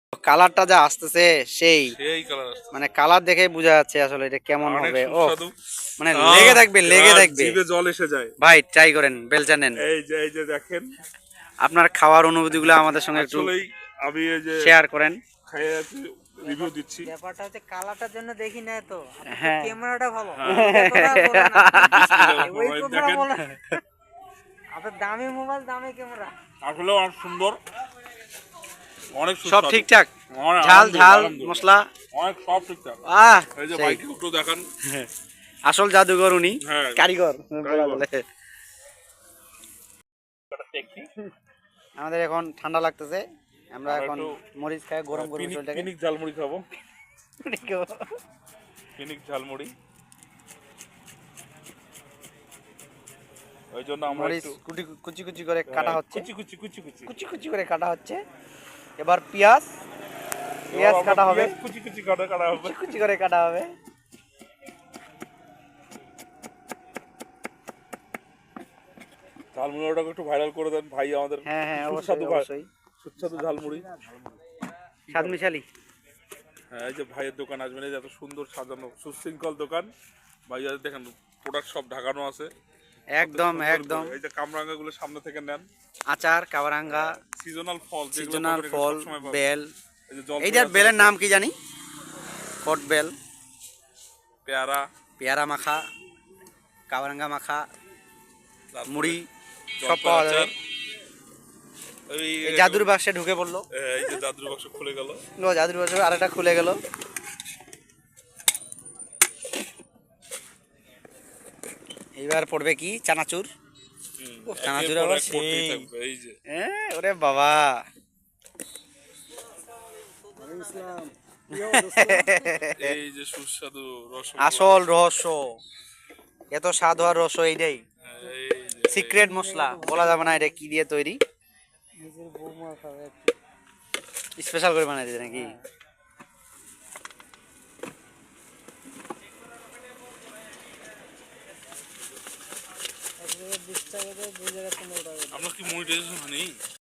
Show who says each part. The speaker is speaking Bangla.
Speaker 1: কালারটা যা আসতেছে সেই
Speaker 2: সেই কালার আসছে,
Speaker 1: মানে কালার দেখে বোঝা যাচ্ছে আসলে এটা কেমন
Speaker 2: অনেক
Speaker 1: হবে। ও
Speaker 2: সুস্বাদু।
Speaker 1: মানে লেগে থাকবে লেগে থাকবে।
Speaker 2: জিভে জল এসে যায়।
Speaker 1: ভাই ট্রাই করেন, বেলচা নেন,
Speaker 2: এই যে দেখেন,
Speaker 1: আপনার খাওয়ার অনুভূতিগুলো আমাদের সঙ্গে একটু
Speaker 2: আসলেই আমি এই যে
Speaker 1: শেয়ার করেন।
Speaker 2: খাইয়ে আছি, রিভিউ দিচ্ছি।
Speaker 3: ব্যাপারটা হচ্ছে কালারটার জন্য দেখি না তো,
Speaker 1: হ্যাঁ
Speaker 3: ক্যামেরাটা ভালো,
Speaker 2: হ্যাঁ।
Speaker 3: ক্যামেরা বলে না।
Speaker 2: বিসমিল্লাহির
Speaker 3: ওই
Speaker 2: রহমানির রহিম,
Speaker 3: কথাটা
Speaker 2: দেখেন
Speaker 3: বলে। আপনার দামি মোবাইল দামি ক্যামেরা।
Speaker 2: আসলে অনেক সুন্দর, অনেক
Speaker 1: সব
Speaker 2: সুস্বাদু।
Speaker 1: ঠিকঠাক,
Speaker 2: অনেক-
Speaker 1: ঝাল
Speaker 2: আলহামদুলিল্লাহ,
Speaker 1: ঝাল
Speaker 2: আলহামদুলিল্লাহ।
Speaker 1: মশলা
Speaker 2: অনেক সব ঠিকঠাক।
Speaker 1: আহ
Speaker 2: এই যে
Speaker 1: সেই।
Speaker 2: ভাইকে একটু দেখান।
Speaker 1: আসল জাদুঘর উনি,
Speaker 2: হ্যাঁ,
Speaker 1: কারিগর বলা
Speaker 2: কারিগর।
Speaker 1: বলে। আমাদের এখন ঠান্ডা লাগতেছে, আমরা
Speaker 2: আমরা
Speaker 1: এখন
Speaker 2: একটু
Speaker 1: মরিচ খাই গরম গরম চলটাকে।
Speaker 2: পিনিক ঝালমুড়ি খাবো, পিনিক ঝালমুড়ি। ওই জন্য আমরা
Speaker 1: মরিচ
Speaker 2: একটু
Speaker 1: কুচি কুচি করে কাটা হচ্ছে,
Speaker 2: কুচি কুচি কুচি কুচি
Speaker 1: কুচি কুচি করে কাটা হচ্ছে। এবার পেঁয়াজ পেঁয়াজ
Speaker 2: এবার
Speaker 1: কাটা
Speaker 2: আমরা
Speaker 1: হবে,
Speaker 2: পেঁয়াজ কুচি কুচি কাটা হবে।
Speaker 1: কুচি কুচি করে কাটা হবে।
Speaker 2: ঝালমুড়িটাকে একটু ভাইরাল করে দেন ভাই আমাদের।
Speaker 1: হ্যাঁ হ্যাঁ অবশ্যই
Speaker 2: সুস্বাদু ভাই,
Speaker 1: অবশ্যই,
Speaker 2: সুস্বাদু ঝালমুড়ি।
Speaker 1: স্বাদ মিশালি।
Speaker 2: হ্যাঁ, এই যে ভাইয়ের দোকান আসবেন, এই যে এত সুন্দর সাজানো সুশৃঙ্খল দোকান। ভাইয়া দেখেন প্রোডাক্ট সব ঢাকানো আছে
Speaker 1: একদম
Speaker 2: সুন্দর
Speaker 1: একদম।
Speaker 2: করে। এই যে কামরাঙ্গা গুলো সামনে থেকে নেন,
Speaker 1: আচার কাওয়ারাঙ্গা,
Speaker 2: সিজনাল ফল যেগুলো
Speaker 1: সিজনাল
Speaker 2: পাবেন এখানে
Speaker 1: ফল,
Speaker 2: সবসময় পাবেন।
Speaker 1: বেল।
Speaker 2: এই যে জলপাই
Speaker 1: এইটার
Speaker 2: আচার
Speaker 1: বেলের
Speaker 2: আছে,
Speaker 1: নাম কি জানি, কট বেল,
Speaker 2: পেয়ারা,
Speaker 1: পেয়ারা মাখা, কাওয়ারাঙ্গা মাখা,
Speaker 2: তারপরে
Speaker 1: মুড়ি সব
Speaker 2: জলপাই
Speaker 1: পাওয়া যাবে।
Speaker 2: আচার। এই
Speaker 1: এই জাদুর বাক্সে ঢুকে পড়লো,
Speaker 2: এই যে জাদুর বাক্স খুলে গেল।
Speaker 1: জাদুর বাক্সে আরেকটা খুলে গেল। এইবার পড়বে কি চানাচুর। ও, চানাচুর
Speaker 2: একের পর
Speaker 1: আবার
Speaker 2: এক পড়তেই
Speaker 1: সেই।
Speaker 2: থাকবে। এই যে
Speaker 1: ওরে বাবা,
Speaker 2: এই যে সুস্বাদু রসগোল্লা।
Speaker 1: আসল রহস্য, এত স্বাদ হওয়ার রহস্য এইটাই,
Speaker 2: এই যে
Speaker 1: সিক্রেট মশলা বলা যাবে না এটা কি দিয়ে তৈরি,
Speaker 3: নিজের বৌমা খাবে।
Speaker 1: স্পেশাল করে বানাই দিয়েছে নাকি।
Speaker 3: এক জায়গায় 20 টাকা দেয়, 2 জায়গায় 15 টাকা দেয়।
Speaker 2: আপনার কি মনিটাইজেশন হয়নি?